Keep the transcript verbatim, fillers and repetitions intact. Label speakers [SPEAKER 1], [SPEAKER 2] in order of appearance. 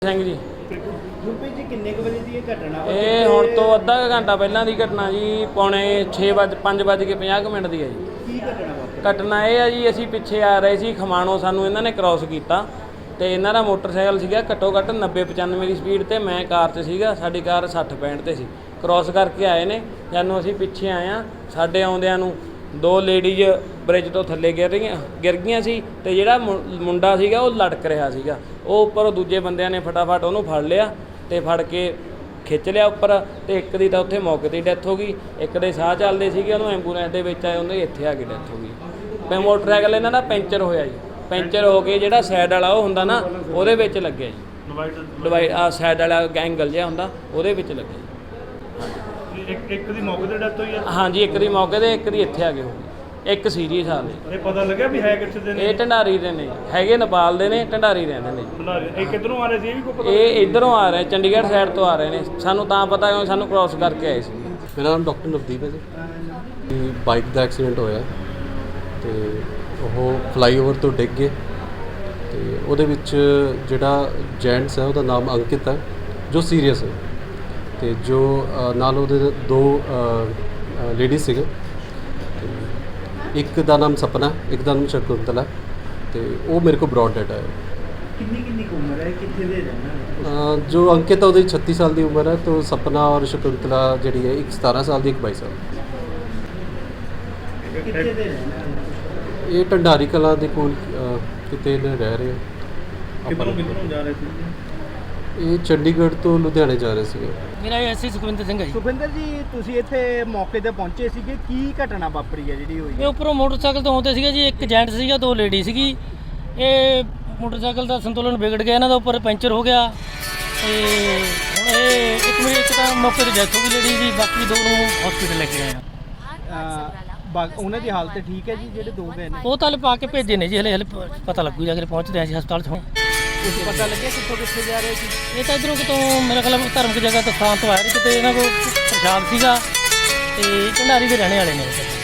[SPEAKER 1] ਸਿੰਘ ਜੀ
[SPEAKER 2] ਗੁਰਪ੍ਰੀਤ ਜੀ ਕਿੰਨੇ ਕੁ ਵਜੇ ਦੀ ਇਹ ਘਟਨਾ ਵਾ?
[SPEAKER 1] ਇਹ ਹੁਣ ਤੋਂ ਅੱਧਾ ਕੁ ਘੰਟਾ ਪਹਿਲਾਂ ਦੀ ਘਟਨਾ ਜੀ। ਪੌਣੇ ਛੇ ਵਜੇ ਪੰਜ ਵੱਜ ਕੇ ਪੰਜਾਹ ਕੁ ਮਿੰਟ ਦੀ ਹੈ ਜੀ।
[SPEAKER 2] ਕੀ ਘਟਨਾ ਵਾ?
[SPEAKER 1] ਘਟਨਾ ਇਹ ਆ ਜੀ, ਅਸੀਂ ਪਿੱਛੇ ਆ ਰਹੇ ਸੀ ਖਮਾਣੋਂ, ਸਾਨੂੰ ਇਹਨਾਂ ਨੇ ਕ੍ਰਾਸ ਕੀਤਾ ਤੇ ਇਹਨਾਂ ਦਾ ਮੋਟਰਸਾਈਕਲ ਸੀਗਾ ਘੱਟੋ ਘੱਟ ਨੱਬੇ ਪਚਾਨਵੇਂ ਦੀ ਸਪੀਡ ਤੇ, ਮੈਂ ਕਾਰ 'ਤੇ ਸੀਗਾ, ਸਾਡੀ ਕਾਰ ਸੱਠ ਪੈਂਹਠ ਤੇ ਸੀ। ਕ੍ਰਾਸ ਕਰਕੇ ਆਏ ਨੇ, ਜਾਨੂੰ ਅਸੀਂ ਪਿੱਛੇ ਆਏ ਹਾਂ, ਸਾਡੇ ਆਉਂਦਿਆਂ ਨੂੰ ਦੋ ਲੇਡੀਜ਼ ਬ੍ਰਿਜ ਤੋਂ ਥੱਲੇ ਗਿਰ ਰਹੀਆਂ ਗਿਰ ਗਈਆਂ ਸੀ ਤੇ ਜਿਹੜਾ ਮੁੰਡਾ ਸੀਗਾ ਉਹ ਲਟਕ ਰਿਹਾ ਸੀਗਾ। ਉਹ ਉੱਪਰ ਦੂਜੇ ਬੰਦਿਆਂ ਨੇ ਫਟਾਫਟ ਉਹਨੂੰ ਫੜ ਲਿਆ ਤੇ ਫੜ ਕੇ ਖਿੱਚ ਲਿਆ ਉੱਪਰ, ਤੇ ਇੱਕ ਦੀ ਤਾਂ ਉੱਥੇ ਮੌਕੇ 'ਤੇ ਡੈਥ ਹੋ ਗਈ, ਇੱਕ ਦੇ ਸਾਹ ਚੱਲਦੇ ਸੀਗੇ, ਉਹਨੂੰ ਐਂਬੂਲੈਂਸ ਦੇ ਵਿੱਚ ਆਏ, ਉਹਦੇ ਇੱਥੇ ਆ ਕੇ ਡੈਥ ਹੋ ਗਈ। ਤੇ ਮੋਟਰਸਾਈਕਲ ਇਹਨਾਂ ਦਾ ਪੈਂਚਰ ਹੋਇਆ ਜੀ, ਪੈਂਚਰ ਹੋ ਕੇ ਜਿਹੜਾ ਸਾਈਡ ਵਾਲਾ ਉਹ ਹੁੰਦਾ ਨਾ ਉਹਦੇ ਵਿੱਚ ਲੱਗਿਆ ਜੀ, ਡਿਵਾਈਡ ਆ ਸਾਈਡ ਵਾਲਾ ਐਂਗਲ ਜਿਹਾ ਹੁੰਦਾ ਉਹਦੇ ਵਿੱਚ ਲੱਗਿਆ ਜੀ।
[SPEAKER 2] ਇੱਕ ਇੱਕ ਦੀ ਮੌਕੇ ਤੇ ਡੈਥ ਹੋਈ ਆ?
[SPEAKER 1] ਹਾਂਜੀ, ਇੱਕ ਦੀ ਮੌਕੇ 'ਤੇ, ਇੱਕ ਦੀ ਇੱਥੇ ਆ ਕੇ ਹੋ ਗਈ। ਇੱਕ ਸੀਰੀਅਸ ਹਾਲ ਨੇ।
[SPEAKER 2] ਇਹ ਪਤਾ ਲੱਗਿਆ ਵੀ ਹੈ ਕਿੱਥੇ ਦੇ ਨੇ?
[SPEAKER 1] ਇਹ ਢੰਡਾਰੀ ਦੇ ਨੇ, ਹੈਗੇ ਨੇਪਾਲ ਦੇ ਨੇ, ਢੰਡਾਰੀ ਰਹਿੰਦੇ ਨੇ ਜੀ।
[SPEAKER 2] ਇਹ ਕਿੱਧਰੋਂ ਆ ਰਹੇ ਸੀ? ਇਹ ਵੀ ਕੋਈ ਪਤਾ?
[SPEAKER 1] ਇਹ ਇੱਧਰੋਂ ਆ ਰਹੇ, ਚੰਡੀਗੜ੍ਹ ਸਾਈਡ ਤੋਂ ਆ ਰਹੇ ਨੇ। ਸਾਨੂੰ ਤਾਂ ਪਤਾ ਕਿਉਂ, ਸਾਨੂੰ ਕ੍ਰਾਸ ਕਰਕੇ ਆਏ ਸੀ।
[SPEAKER 3] ਮੇਰਾ ਨਾਮ ਡਾਕਟਰ ਨਵਦੀਪ ਹੈ ਜੀ। ਬਾਈਕ ਦਾ ਐਕਸੀਡੈਂਟ ਹੋਇਆ ਤੇ ਉਹ ਫਲਾਈਓਵਰ ਤੋਂ ਡਿੱਗ ਗਏ ਤੇ ਉਹਦੇ ਵਿੱਚ ਜਿਹੜਾ ਜੈਂਟਸ ਹੈ ਉਹਦਾ ਨਾਮ ਅੰਕਿਤ ਹੈ ਜੋ ਸੀਰੀਅਸ ਹੈ, ਤੇ ਜੋ ਨਾਲ ਉਹਦੇ ਦੋ ਲੇਡੀਜ਼ ਸੀਗੇ। ਇੱਕ ਦਾ ਨਾਮ ਸਪਨਾ, ਇੱਕ ਦਾ ਨਾਮ ਸ਼ਕੁੰਤਲਾ, ਤੇ ਉਹ ਮੇਰੇ ਕੋਲ ਬ੍ਰੌਡ ਡੈਡ ਆਇਆ।
[SPEAKER 2] ਕਿੰਨੀ ਕਿੰਨੀ ਕੁ ਉਮਰ ਹੈ, ਕਿੱਥੇ ਦੇ ਰਹਿਣਾ?
[SPEAKER 3] ਜੋ ਅੰਕਿਤ ਹੈ ਉਹਦੀ ਛੱਤੀ ਸਾਲ ਦੀ ਉਮਰ ਹੈ, ਤੇ ਸਪਨਾ ਔਰ ਸ਼ਕੁੰਤਲਾ ਜਿਹੜੀ ਹੈ ਇੱਕ ਸਤਾਰਾਂ ਸਾਲ ਦੀ, ਇੱਕ ਬਾਈ ਸਾਲ।
[SPEAKER 2] ਕਿੱਥੇ ਦੇ ਰਹਿਣਾ?
[SPEAKER 3] ਇਹ ਢੰਡਾਰੀ ਕਲਾਂ ਦੇ ਕੋਲ ਕਿਤੇ ਨੇ ਰਹਿ ਰਹੇ।
[SPEAKER 2] ਕਿੱਧਰੋਂ ਕਿੱਧਰੋਂ ਜਾ ਰਹੇ ਸੀ?
[SPEAKER 3] ਇਹ ਚੰਡੀਗੜ੍ਹ ਤੋਂ ਲੁਧਿਆਣੇ ਜਾ ਰਹੇ ਸੀਗੇ।
[SPEAKER 4] ਮੇਰਾ ਐਸੀ ਸੁਖਵਿੰਦਰ ਸਿੰਘ ਹੈ ਜੀ।
[SPEAKER 2] ਸੁਖਵਿੰਦਰ ਜੀ, ਤੁਸੀਂ ਇੱਥੇ ਮੌਕੇ ਤੇ ਪਹੁੰਚੇ ਸੀਗੇ, ਕੀ ਘਟਨਾ ਵਾਪਰੀ ਹੈ ਜਿਹੜੀ ਹੋਈ?
[SPEAKER 4] ਇਹ ਉੱਪਰੋਂ ਮੋਟਰਸਾਈਕਲ ਤੋਂ ਆਉਂਦੇ ਸੀਗੇ ਜੀ, ਇੱਕ ਜੈਂਟ ਸੀਗਾ, ਦੋ ਲੇਡੀ ਸੀਗੀ। ਇਹ ਮੋਟਰਸਾਈਕਲ ਦਾ ਸੰਤੁਲਨ ਵਿਗੜ ਗਿਆ, ਇਹਨਾਂ ਦਾ ਉੱਪਰ ਪੈਂਚਰ ਹੋ ਗਿਆ ਤੇ ਹੁਣ ਇਹ ਇੱਕ ਮੇਰੀ ਇੱਕ ਤਾਂ ਮੌਕੇ ਤੇ ਡੈਥ ਹੋ ਗਈ ਲੇਡੀ ਦੀ, ਬਾਕੀ ਦੋ ਨੂੰ ਹਸਪੀਟਲ ਲੈ ਕੇ ਗਏ ਆ।
[SPEAKER 2] ਉਹਨਾਂ ਦੀ ਹਾਲਤ ਠੀਕ ਹੈ ਜੀ? ਜਿਹੜੇ ਦੋ ਗਏ ਨੇ
[SPEAKER 4] ਉਹ ਤਾਂ ਹਲੇ ਪਾ ਕੇ ਭੇਜੇ ਨੇ ਜੀ, ਹਲੇ ਹਲੇ ਪਤਾ ਲੱਗੂ ਜਾ ਕੇ ਪਹੁੰਚਦੇ ਆ ਜੀ ਹਸਪਤਾਲ 'ਚ। ਹੁਣ
[SPEAKER 2] ਕੁਝ ਪਤਾ ਲੱਗਿਆ ਕਿੱਥੋਂ ਕਿੱਥੇ ਜਾ ਰਹੇ ਸੀ?
[SPEAKER 4] ਇਹ ਤਾਂ ਇੱਧਰੋਂ ਕਿਤੋਂ ਮੇਰੇ ਖਿਆਲ ਧਾਰਮਿਕ ਜਗ੍ਹਾ ਤੋਂ ਸਥਾਨ ਤੋਂ ਆਏ ਨੇ, ਕਿਤੇ ਇਹਨਾਂ ਕੋਲ ਪ੍ਰਸ਼ਾਦ ਸੀਗਾ ਤੇ ਢੰਡਾਰੀ ਦੇ ਰਹਿਣੇ ਵਾਲੇ ਨੇ।